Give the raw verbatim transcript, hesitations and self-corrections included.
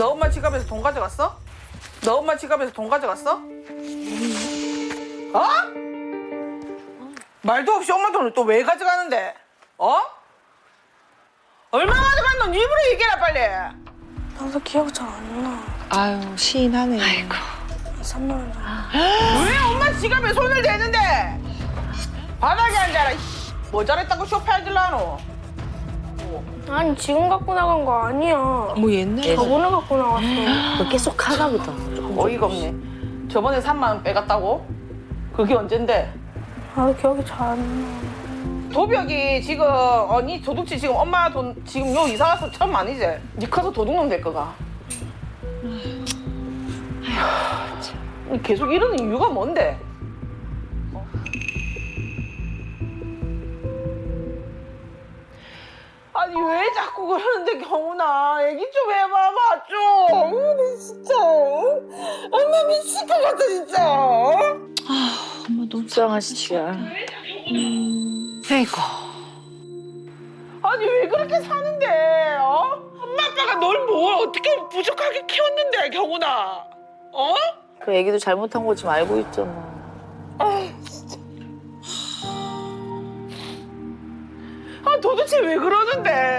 너 엄마 지갑에서 돈 가져갔어? 너 엄마 지갑에서 돈 가져갔어? 어? 말도 없이 엄마 돈을 또 왜 가져가는데? 어? 얼마 가져갔노? 네 입으로 얘기해라 빨리. 나도 기억 잘 안 나. 아유 시인하네. 아이고. 이, 삼만 원 정도. 왜 엄마 지갑에 손을 대는데? 바닥에 앉아라. 이씨. 뭐 잘했다고 쇼파해질라노? 아니 지금 갖고 나간 거 아니야. 뭐 옛날에 저번에 갖고 나갔어. 뭐 계속 하나 보다. 어이가 없네. 저번에 삼만 원 빼갔다고? 그게 언젠데? 나도 기억이 잘 안 나. 도벽이 지금 어니 도둑질 지금 엄마 돈 지금 요 이사 와서 처음 아니지? 니 커서 도둑놈 될 거가. 아휴, 계속 이러는 이유가 뭔데? 어? 아니 왜 자꾸 그러는데 경훈아 얘기 좀 해봐봐 좀. 어, 진짜 엄마 미칠 것 같아 진짜. 엄마 너무 속상하시지야. 아이고. 아니 왜 그렇게 사는데? 어? 엄마 아빠가 널 뭘 어떻게 부족하게 키웠는데 경훈아? 어? 그 애기도 잘못한 거 지금 알고 있잖아. 아 진짜. 아 도대체 왜 그러는데?